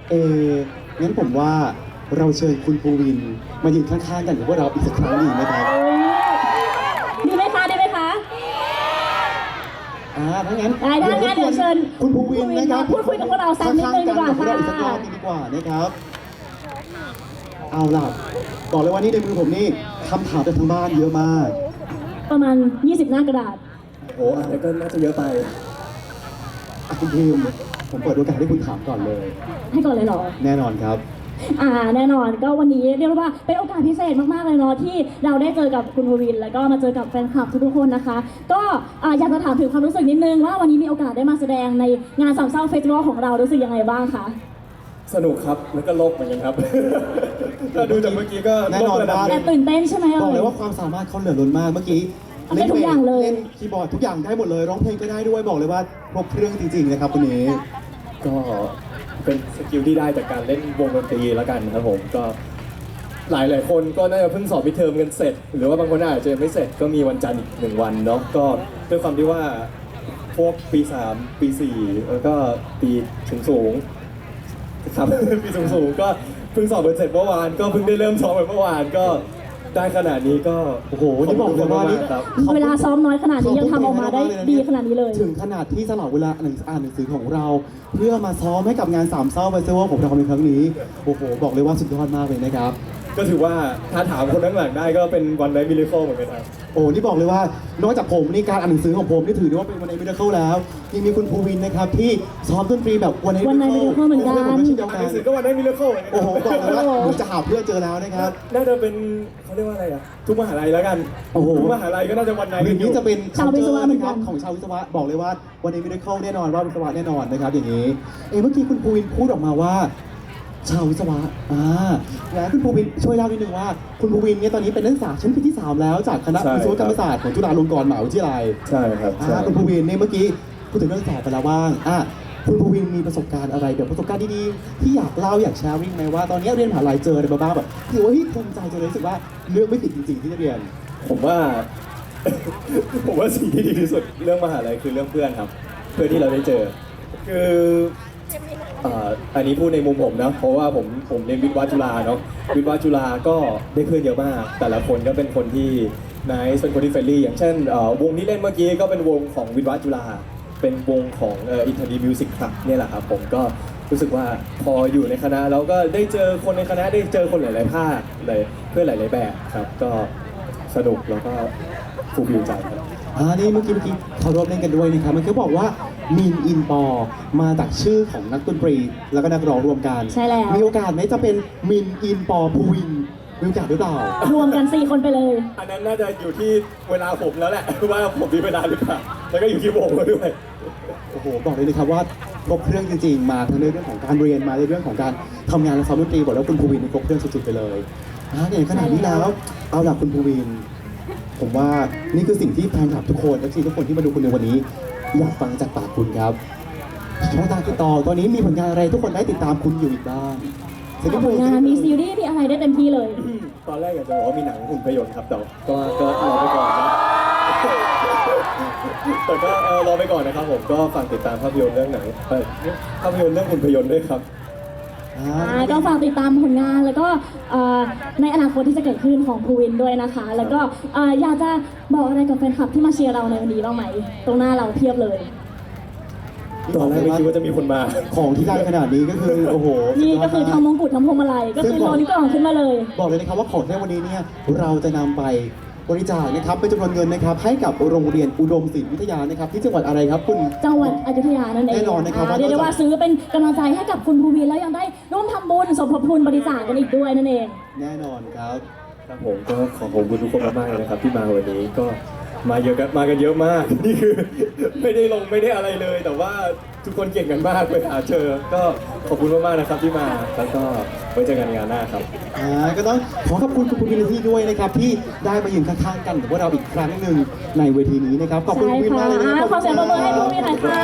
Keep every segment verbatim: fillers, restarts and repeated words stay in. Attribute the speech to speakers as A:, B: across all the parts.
A: เอองั้นผมว่าเราเชิญคุณภูวินมายืนข้างๆกันกับพวกเราอีกสักครั้งดีไหมครับ
B: ดีไหมคะดีไหมคะ
A: อ่าถ้างั้น
B: ได้ได้งั้นเดี๋ยวเชิญ
A: คุณภูวินนะครับ
B: พูดคุยกับพวกเราสักนิดนึงดีกว่า
A: ข้งๆนกับพวกเราอีกสักร
B: ค่ะ
A: อบนึงดีกว่านะครับ เอาล่ะบอกเลยว่านี่ในมือผมนี่คำถามจากทางบ้านเยอะมาก
B: ประมาณ ยี่สิบ หน้ากระดาษ
A: โอ้อะไรก็น่าจะเยอะไปอ่ะคุณพิมผมเปิดโอกาสให้คุณถามก่อนเลย
B: ให้ก่อนเลยเหรอ
A: แน่นอนครับ
B: อ่าแน่นอนก็วันนี้เรียกว่าเป็นโอกาสพิเศษมากๆเลยเนาะที่เราได้เจอกับคุณภูวินแล้วก็มาเจอกับแฟนคลับทุกๆคนนะคะ ก็อ่าอยากจะถามถึงความรู้สึกนิดนึงว่าวันนี้มีโอกาสได้มาแสดงในงานสามเศร้าเฟสติวัลของเรารู้สึกยังไงบ้างคะ
C: สนุกครับแล้วก็โลกเหมือนกันครับ ถ้าดูจากเมื่อแน่นอนว่า
B: แอบตื่นเต้นใช่ไหม
A: บอก
B: เอ่
A: เลย
B: ย
A: ว่าความสามารถเขาเหลือล้นมากเมื่อกี้
B: ได้ทุกอย่างเลย
A: เล่นคีย์บอร์ดทุกอย่างได้หมดเลยร้องเพลงก็ได้ด้วยบอกเลยว่าครบเครื่องจริงๆนะครับวันนี้
C: ก็เป็นสกิลที่ได้จากการเล่นวงดนตรีแล้วกันครับผมก็หลายหลายๆคนก็น่าจะเพิ่งสอบมิดเทอมกันเสร็จ หรือว่าบางคนอาจจะยังไม่เสร็จก็มีวันจันทร์อีกหนึ่งวันเนาะก็ด้วยความที่ว่าพวกปีสามปีสี่แล้วก็ปีสูงสูงๆครับ ปีสูงสูงๆก็เพิ่งสอบกันเสร็จเมื่อวานก็เพิ่งได้เริ่มซ้อมไปเมื่อวานก็ได้ขนาดนี้ก็
A: โอ้โหนี่บอกเลยว่านี่
C: ครับ
B: เวลาซ้อมน้อยขนาดนี้ยังทำออกมาได้ดีขนาดนี้เลย
A: ถึงขนาดที่สลับเวลาอ่านหนังสือของเรา เพื่อมาซ้อมให้กับงานสามเศร้าเฟสติวัลของเราในครั้งนี้โอ้โหบอกเลยว่าสุดยอดมากเลยนะครับ
C: ก็ถือว่าถ้าถามคนข้างหลังได้ก็เป็นวันไนท์มิราเคิลเหมือนกันครับ
A: โอ้นี่บอกเลยว่านอกจากผมนี่การอ่านหนังสือของผมนี่ถือได้ว่าเป็นวันในมิราเคิลแล้วยังมีคุณภูวินนะครับที่ซ้อมดนตรีแบบวันใน
B: One Night Miracle เหมือนกัน
A: ผมไม่ใช่เดียว
C: อ่าน
A: กั
C: ห
A: น
C: นังสือก็วันไนท์มิราเคิลเหมือนกัน
A: โอ้โหบอกเลยว่าผมจะหาเพื่อนเจอแล้วนะครับ
C: น่าจะเป็นเขาเรียกว่าอะไรอ่ะทุกมหาลัยแล้วกัน
A: โอ้โห
C: ทุกมหาลัยก็น่าจะวันไนท์
A: อย่างนี้จะเป็น
B: ชาววิศวะเหมือนกัน
A: ของชาววิศวะบอกเลยว่าวันในมิราเคิลแน่นอนว่าวิศวะแน่นอนนะครับอย่างนี้เอ้เมื่อกี้คุณภูวินพูดออกมาว่า ชาววิศวะอ่าแล้วคุณภูวินช่วยเล่านิดนึงว่า คุณภูวินเนี่ยตอนนี้เป็นนักศึกษาชั้นปีที่สามแล้วจากคณะวิศวกรรมศาสตร์ของจุฬาลงกรณ์มหาวิทยาลัย
C: ใช่ครับใช่
A: อ่าคุณภูวินเนี่ยเมื่อกี้พูดถึงเรื่องสอบไปแล้วบ้างอ่ะคุณภูวินมีประสบการณ์อะไรเดี๋ยวประสบการณ์ดีๆที่อยากเล่าอยากแชร์ริ่งไหมว่าตอนนี้เรียนมหาลัยเจออะไรมาบ้างแบบถือว่าเฮ้ยภูมิใจจนรู้สึกว่าเลือกไม่ผิดจริงๆที่จะเรียน
C: ผมว่า ผมว่าสิ่งที่ดีที่สุดเรื่องมหาลัยคือเรื่องเพื่อนครับ เพื่อนที่เราได้เจอ คืออ่าอันนี้พูดในมุมผมนะเพราะว่าผมผมเรียนวิทย์วะจุฬาเนาะวิทย์วะจุฬาก็ได้เพื่อนเยอะมาก แต่ละคนก็เป็นคนที่นายเป็นคนที่เฟรนลี่อย่างเช่นเอ่อวงที่เล่นเมื่อกี้ก็เป็นวงของวิทย์วะจุฬาเป็นวงของเอ่ออินเทอร์ดีมิวสิกคลับเนี่ยแหละครับผมก็รู้สึกว่าพออยู่ในคณะแล้วก็ได้เจอคนในคณะได้เจอคนหลาย ๆ ภาคเลยเพื่อนหลาย ๆ แบบครับก็สนุกแล้วก็ฟูลฟิลใจครับ
A: อ่านี่เมื่อกี้เมื่อกี้เขาร่วมเล่นกันด้วยนะครับมันก็บอกว่ามีนอินปอมาจากชื่อของนักดนตรี แล้วก็นักร้องรวมกัน
B: ใช่แล้ว
A: มีโอกาสไหมจะเป็นมินอินปอภูวินมีโอกาสหรือเปล่าร
B: วมกันสี่คนไปเลย
C: อันนั้นน่าจะอยู่ที่เวลาผมแล้วแหละ ว่าผมมีเวลาหรือเปล่าแล้วก็อยู่ที่วงด้วย
A: โอ้โหบอกเลยนะครับว่าครบเครื่องจริงๆ มาทั้งในเรื่องของการเรียนมาในเรื่องของการทำงานและซ้อมดนตรีบอกแล้วคุณภูวินนี่ครบเครื่องสุดๆไปเลยอ่าอย่างขนาดนี้แล้วเอาล่ะคุณภูวิน ผมว่านี่คือสิ่งที่แฟนคลับทุกคนและทีทุกคนที่มาดูคุณในวันนี้ อยากฟังจากปากคุณครับช่องทางติดต่อตอนนี้มีผลงานอะไรทุกคนได้ติดตามคุณอยู่อีกบ้างสักนิด
B: ผ
A: นึ
B: ลงานมีซีรีส์มีอะไรได้เต็มที่เลย
C: ตอนแรกอยากจะบอกว่ามีหนังหุ่นพยนต์ครับแต่ก็ก็รอไปก่อนนะ แต่ก็เออรอไปก่อนนะครับผมก็ฝากติดตามภาพยนตร์เรื่องหนังเออภาพยนตร์เรื่องหุ่นพยนต์ด้วยครับ
A: อ่า
B: อ่าก็ฝากติดตามผลงานแล้วก็เอ่อในอนาคตที่จะเกิดขึ้นของภูวินด้วยนะคะ แล้วก็เอ่ออยากจะบอกอะไรกับแฟนคลับที่มาเชียร์เราในวันนี้บ้างไหม ตรงหน้าเราเพียบเลย
C: ตอนแรกไม่คิดว่าจะมีคนมา
A: ของที่ได้ขนาดนี้ก็คือโอ้โห
B: นี่ก็คือ
A: สุดยด
B: ทำม
A: มาก
B: งกุฎทำพวงมาลัยก็คือโลนี่ก็ออกขึ้นมาเลย
A: บอกเลยนะครับว่าของในวันนี้เนี่ยเราจะนำไปบริจาคนะครับเป็นจำนวนเงินนะครับให้กับโรงเรียนอุดมศิลป์วิทยานะครับที่จังหวัดอะไรครับคุณ
B: จังหวัดอยุธยานั่นเอง
A: แน่นอนนะครับ
B: าเรียกได้ว่าซื้อเป็นกำลังใจให้กับคุณภูวินแล้วยังได้ร่วมทำบุญสมทบทุนบริจาคกันอีกด้วยนั่นเอง
A: แน่นอนครับ
C: ครับผมก็ขอขอบคุณทุกคนมากๆเลยนะครับที่มาวันนี้ก็มาเยอะกันมากันเยอะมาก นี่คือ ไม่ได้ลงไม่ได้อะไรเลย แต่ว่าทุกคนเก่งกันมากไปหาเจอ ก็ขอบคุณมากๆนะครับที่มาแล้วก็ไว้เจอกันงานหน้าครับ
A: อ่าก็ต้องขอขอบคุณคุณภูวินที่ด้วยนะครับที่ได้มายืนข้างๆกันกับพวกเราอีกครั้งหนึ่งในเวทีนี้นะครับขอบคุณ
B: ใช่
A: ภูวิน
B: ค่ะ
A: มากเลยนะค
B: อ่า
A: รับ
B: ขอเสียงปรบมือให้ภูวินหน่อยค่ะ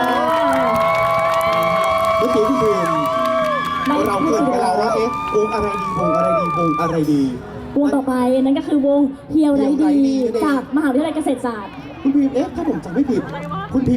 A: เมื่อกี้คุณภูวิน
B: ไม่
A: เราเกิดไปแล้วว่าเอ๊ะวงอะไรดีวงอะไรดีวงอะไรดี
B: วงต่อไปนั่นก็คือวงเฮียวไร
A: เฮียวไร้ดี
B: ดี
A: นั่นเอง
B: จากมหาวิทยาลัยเกษตรศาสตร์
A: คุณภูวินเอ๊ะถ้าผมจำไม่ผิด